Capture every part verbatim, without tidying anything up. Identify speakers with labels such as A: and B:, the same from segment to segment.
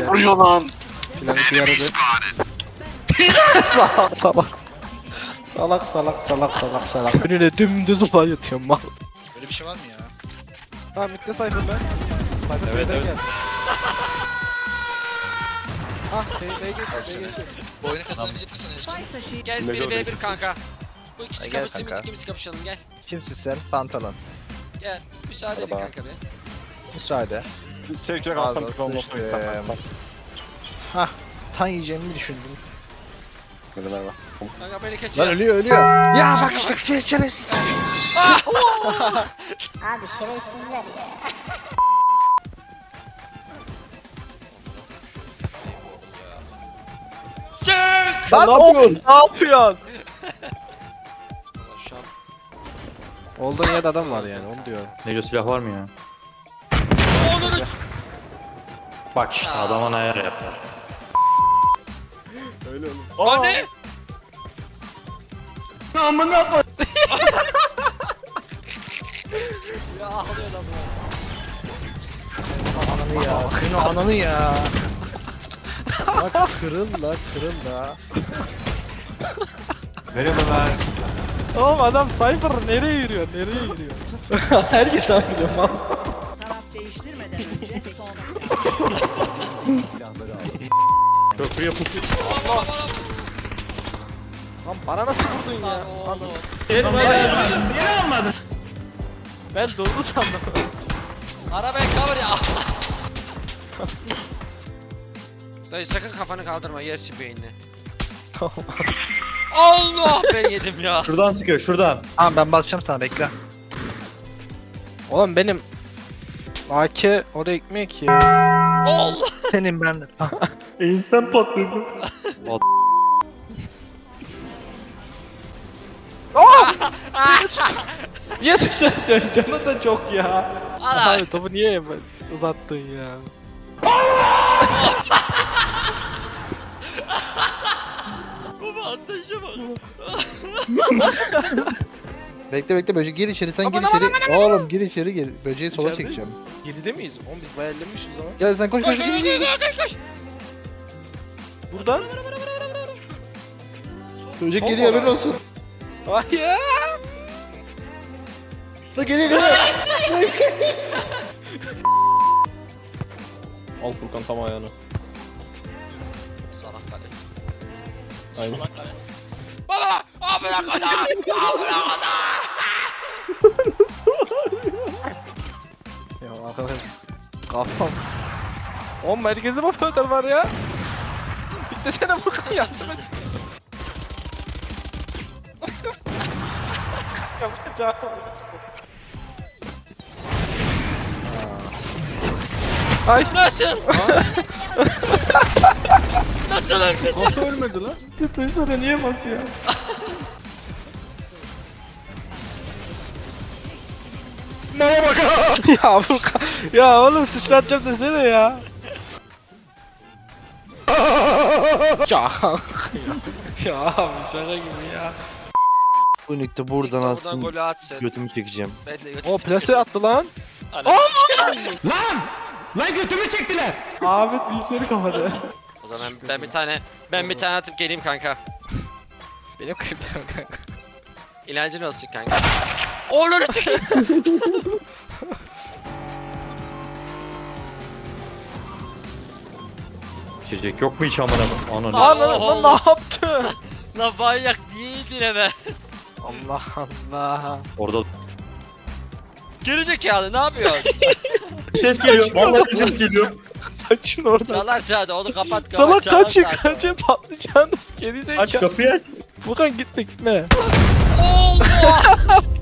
A: vuruyor lan?
B: Filan işe yaradı. salak salak. Salak salak salak salak salak. Önüne dümdüz ulan yatıyorum mal.
A: Böyle bir şey var mı ya?
B: Ha mitte Cypher ben. Cypher
C: Evet,
B: B'den
C: evet.
B: geldi. Ah B B geçti B geçti.
A: Bu oyunu kazanabilecek misin Ejder?
D: Gel
C: Ne
D: biri
C: gördün?
D: v bir kanka. Bu ikisi
C: Ay, gel
D: kapışsın biz
C: kanka.
D: ikimiz kapışalım gel.
C: Kimsin sen? Pantolon.
D: Gel. Müsaade edin
C: Merhaba.
D: kanka be.
C: Müsaade.
E: Çek çek
C: Ağzına
E: alttan bir olmasını
C: sıçtım.
E: istemem.
C: Hah. Tan yiyeceğimi düşündüm.
E: Hadi merhaba.
D: Kanka beni
C: Lan
D: keçiyor.
C: ölüyor ölüyor. Ya bak işte şey şerefsiz.
F: Abi şerefsizler ya.
D: Çık!
C: Lan ne yapıyorsun?
B: Ne yapıyorsun?
D: Şu an.
B: Olduğun yerde adam var yani onu diyorum.
G: Neco silah var mı ya?
D: Onunu
G: Bak işte adama ayar yapar.
D: Hadi! Ya ağlıyor adam ya.
C: Ananı ya. Senin ananı ya. Bak kırıl la kırıl la.
G: Merhaba ben.
B: Oğlum adam Cypher nereye yürüyor nereye yürüyor? Herkes abi biliyor mal.
F: Taraf değiştirmeden önce son.
G: Köprüye pusu.
B: Lan bana nasıl vurdun ya?
D: Oğlum.
B: Ben durdu sandım.
D: Arabaya cover ya. Dayı sakın kafanı kaldırma yersin beynini.
B: Tamam.
D: Allah ben yedim ya.
G: Şuradan sıkıyor şuradan.
C: Tamam ben basacağım sana bekle.
B: Oğlum benim A K oraya ekmek ya.
D: Allah.
C: Senin ben de.
G: İnsan patladı.
B: Niye sıçrayacaksın? Canın da çok ya.
D: Ana.
B: Abi topu niye uzattın ya?
D: Baba ateşe bak.
C: Bekle bekle böcek gir içeri sen gir
B: Aman,
C: içeri. Oğlum gir içeri gir. Böceği sola
B: İçeride
C: çekeceğim.
B: yedide miyiz? Oğlum biz bayağı ellemişiz o zaman.
C: Gel sen koş koş
D: Koş
C: gir
D: koş
C: gir.
D: koş koş koş.
B: Buradan.
C: Böcek geliyor haberin olsun.
B: Hayır.
C: La geliyor geliyor.
E: Al Furkan tam ayağını.
D: Salak hadi.
E: Aynen.
D: Salak hadi. Baba! Amına kadar! Amına kadar!
B: Ya arkadaş. Kafam. Oğlum merkezde operatör var ya. Bitlesene Furkan yardım et. Yapacağım. Ay.
D: Nasıl? Nasıl öldün?
E: Nasıl ölmedi lan?
B: Tıpkı niye basıyor?
C: Bana bak.
B: Ya Furkan. Ya oğlum sıçratacağım desene ya. ya. ya abi şaka gibi ya.
C: Bu nükte buradan
D: Buradan
C: alsın.
D: golü atsın.
C: Götümü çekeceğim.
D: Ben de götüm.
B: O plase attı lan.
D: Ana.
G: Lan götümü çektiler.
B: Ahmet bilgisayarı kapadı.
D: O zaman ben bir tane ben bir tane atıp geleyim kanka.
B: Benim kliplerim kanka.
D: İlancın olsun kanka. Oğlunu çıkayım.
G: İçecek yok mu hiç amına koyayım? Ananı.
D: Aa!
B: Lan lan lan ne yaptın?
D: Lan manyak değildin hemen.
B: Allah Allah.
G: Orada
D: Gerizekalı ne yapıyorsun?
G: ses geliyor. Vallahi bir ses geliyor.
B: Kaçın oradan.
D: Çalar sağda onu kapat kapat.
B: Salak
D: çalar
B: kaçın
D: sağda.
B: kaçın patlayacaksınız. Geri
G: Aç
B: zekalı.
G: kapıyı aç.
B: Furkan gitme gitme.
D: Allah!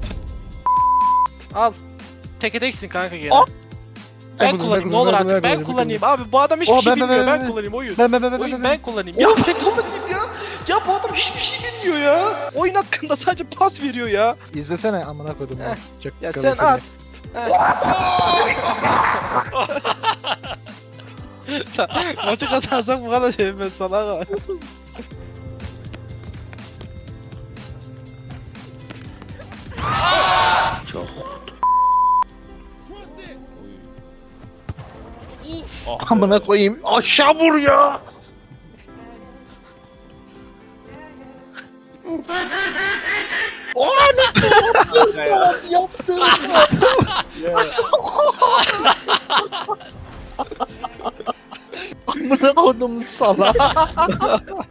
B: Al. Teke teksin kanka gene.
C: Al.
B: Ben
C: Ben
B: kullanayım
C: kullanayım,
B: ne olur
C: ben
B: artık ben
C: kullanayım, ben
B: kullanayım. Abi bu adam hiçbir
C: Oh,
B: şey
C: ben, ben,
B: bilmiyor
C: ben,
B: ben
C: ben.
B: kullanayım oyun.
C: Ben ben ben ben
B: Oyun
C: ben.
B: ben kullanayım. Ya ben kullanayım ya. Ya bu adam hiçbir şey bilmiyor ya. Oyun hakkında sadece pas veriyor ya.
C: İzlesene amına koydum ya. Çok
B: Ya
C: kalın
B: sen
C: seni.
B: at. Sen- Maçı kazansak bu kadar sevmez salak.
D: Uf!
B: Amına koyayım. Aşağı vur ya.
C: Yaptım.
B: Amına koydum sana.